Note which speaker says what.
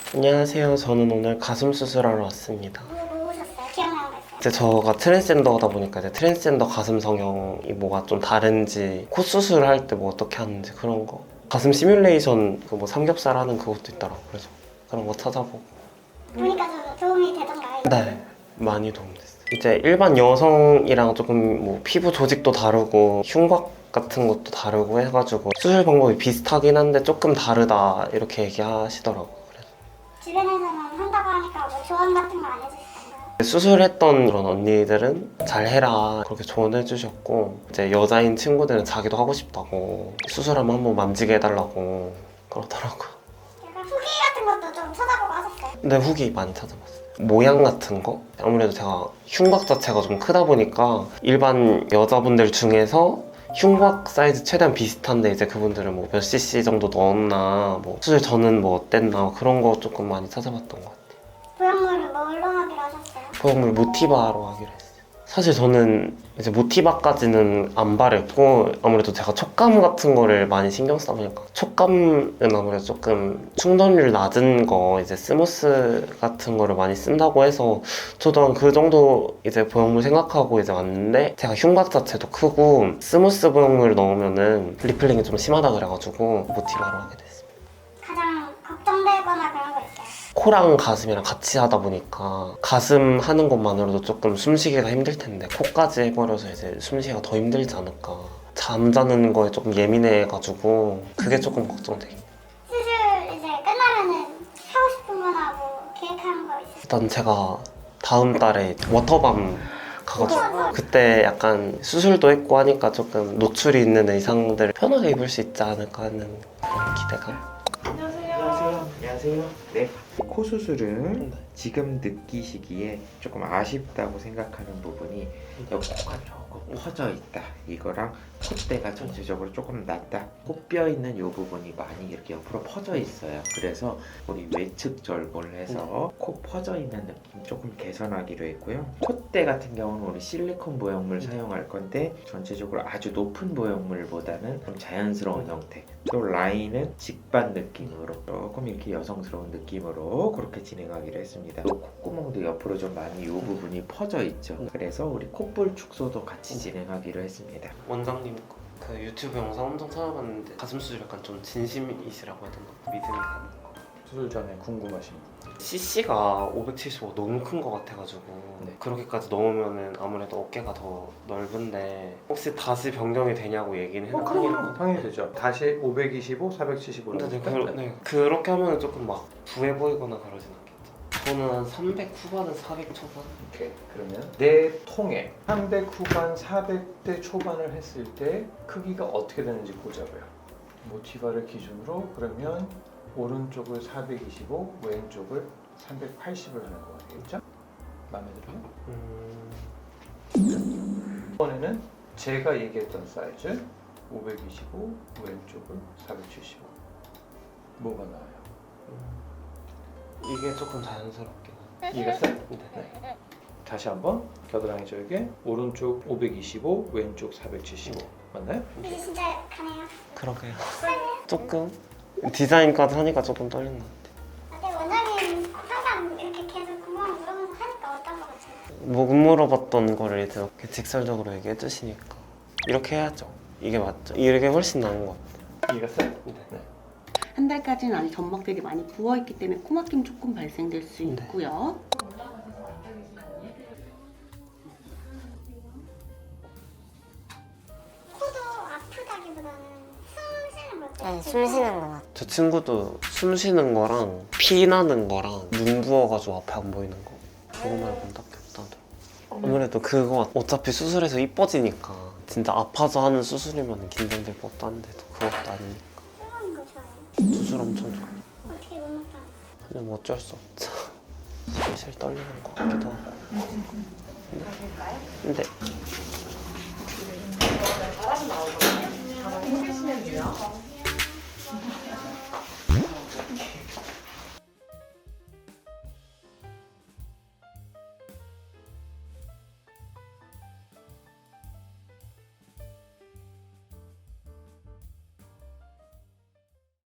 Speaker 1: 안녕하세요. 저는 오늘 가슴 수술하러 왔습니다.
Speaker 2: 뭐 오셨어요? 기억나는 거 있어요?
Speaker 1: 이제 저가 트랜스젠더다 보니까 이제 트랜스젠더 가슴 성형이 뭐가 좀 다른지, 코 수술할 때 뭐 어떻게 하는지 그런 거. 가슴 시뮬레이션 그 뭐 삼겹살 하는 그것도 있더라고. 그래서 그런 거 찾아보고.
Speaker 2: 보니까 좀 도움이 되던가요?
Speaker 1: 네, 많이 도움됐어요. 이제 일반 여성이랑 조금 뭐 피부 조직도 다르고 흉곽 같은 것도 다르고 해가지고 수술 방법이 비슷하긴 한데 조금 다르다 이렇게 얘기하시더라고요. 그래서
Speaker 2: 주변에서는 한다고 하니까 뭐 조언 같은 거 안 해주시던가요?
Speaker 1: 수술했던 그런 언니들은 잘 해라 그렇게 조언해 주셨고, 이제 여자인 친구들은 자기도 하고 싶다고 수술하면 한번 만지게 해달라고 그러더라고요.
Speaker 2: 약간 후기 같은 것도 좀 찾아보고 하셨어요?
Speaker 1: 근데 후기 많이 찾아봤어요. 모양 같은 거? 아무래도 제가 흉곽 자체가 좀 크다 보니까 일반 여자분들 중에서 흉곽 사이즈 최대한 비슷한데 이제 그분들은 뭐 몇 cc 정도 넣었나, 뭐 수술 전은 뭐 어땠나, 그런 거 조금 많이 찾아봤던 것 같아요.
Speaker 2: 보형물은 뭘로 하기로 하셨어요?
Speaker 1: 보형물 모티바로 하기로 했어요. 사실 저는 이제 모티바까지는 안 바랬고, 아무래도 제가 촉감 같은 거를 많이 신경 쓰다 보니까 촉감은 아무래도 조금 충전률 낮은 거, 이제 스무스 같은 거를 많이 쓴다고 해서 저도 한 그 정도 이제 보형물 생각하고 이제 왔는데, 제가 흉곽 자체도 크고 스무스 보형물 넣으면은 리플링이 좀 심하다 그래가지고 모티바로 하게 됐어요.
Speaker 2: 가장 걱정되거나 그런 거 있어요?
Speaker 1: 코랑 가슴이랑 같이 하다 보니까 가슴 하는 것만으로도 조금 숨쉬기가 힘들 텐데 코까지 해버려서 이제 숨쉬기가 더 힘들지 않을까. 잠자는 거에 조금 예민해가지고 그게 조금 걱정돼요.
Speaker 2: 수술 이제 끝나면은 하고 싶은 거나 뭐 계획하는 거 있으세요?
Speaker 1: 일단 제가 다음 달에 워터밤 가가지고 그때 약간 수술도 했고 하니까 조금 노출이 있는 의상들을 편하게 입을 수 있지 않을까 하는 그런 기대감?
Speaker 3: 안녕하세요. 네. 코 수술은
Speaker 1: 네.
Speaker 3: 지금 느끼시기에 조금 아쉽다고 생각하는 부분이 여기 코가 조금 퍼져 있다. 이거랑 콧대가 전체적으로 조금 낮다. 코뼈 있는 이 부분이 많이 이렇게 옆으로 퍼져 있어요. 그래서 우리 외측 절골을 해서 코 퍼져 있는 느낌 조금 개선하기로 했고요. 콧대 같은 경우는 우리 실리콘 보형물 사용할 건데 전체적으로 아주 높은 보형물보다는 좀 자연스러운 형태. 또 라인은 직반 느낌으로 조금 이렇게 여성스러운 느낌으로 그렇게 진행하기로 했습니다. 또 콧구멍도 옆으로 좀 많이 이 부분이 퍼져 있죠. 그래서 우리 콧볼 축소도 같이 진행하기로 했습니다.
Speaker 1: 원장님 그 유튜브 영상 엄청 찾아봤는데 가슴 수술 약간 좀 진심이시라고 해야 되나? 믿음이 가는 거.
Speaker 4: 수술 전에 궁금하신 분.
Speaker 1: CC가 575 너무 큰 거 같아가지고
Speaker 4: 네.
Speaker 1: 그렇게까지 넣으면은 아무래도 어깨가 더 넓은데 혹시 다시 변경이 되냐고 얘기는 해요.
Speaker 4: 당연히 되죠. 다시 525, 475로.
Speaker 1: 네, 그렇게 하면 조금 막 부해 보이거나 그러진 않겠죠. 저는 한 300 후반은 400 초반?
Speaker 4: 오케이. 그러면 내 통에 300 후반, 400대 초반을 했을 때 크기가 어떻게 되는지 보자고요. 모티바를 기준으로 그러면 오른쪽을 425, 왼쪽을 380을 하는 거 같겠죠? 마음에 들어요? 이번에는 제가 얘기했던 사이즈 525, 왼쪽을 475. 뭐가 나와요?
Speaker 1: 이게 조금 자연스럽게.
Speaker 4: 이해갔어요?
Speaker 1: 네.
Speaker 4: 다시 한번 겨드랑이 절개 오른쪽 525 왼쪽 475 맞나요?
Speaker 2: 이제 진짜 가네요.
Speaker 1: 그러게요. 조금 디자인까지 하니까 조금 떨리는 것 같아요.
Speaker 2: 근데 원장님 항상 이렇게 계속 궁금한 거 물어보면서 하니까 어떤 거 같아요?
Speaker 1: 못 물어봤던 거를 이제 이렇게 직설적으로 얘기해 주시니까 이렇게 해야죠. 이게 맞죠. 이게 훨씬 나은 것 같아요.
Speaker 4: 이해갔어요?
Speaker 1: 네.
Speaker 5: 한 달까지는 아직 점막들이 많이 부어있기 때문에 코막힘 조금 발생될 수
Speaker 1: 네.
Speaker 5: 있고요.
Speaker 2: 코도 아프다기보다는 숨 쉬는 거
Speaker 6: 네, 숨 쉬는 거 같아요.
Speaker 1: 저 친구도 숨 쉬는 거랑 피 나는 거랑 눈 부어가지고 앞에 안 보이는 거, 그거 말고는 딱히 없다더라고. 아무래도 그거 어차피 수술해서 이뻐지니까 진짜 아파서 하는 수술이면 긴장될 것도 한데도 그것도 아니니까
Speaker 2: 숨는 거 좋아해요.
Speaker 1: 수술 엄청 좋아요.
Speaker 2: 어떻게 못 먹다.
Speaker 1: 그냥 뭐 어쩔 수 없죠. 슬슬 떨리는 것 같기도 하고. 근데
Speaker 7: 바람 나오거든요. 바람 해주시면 돼요.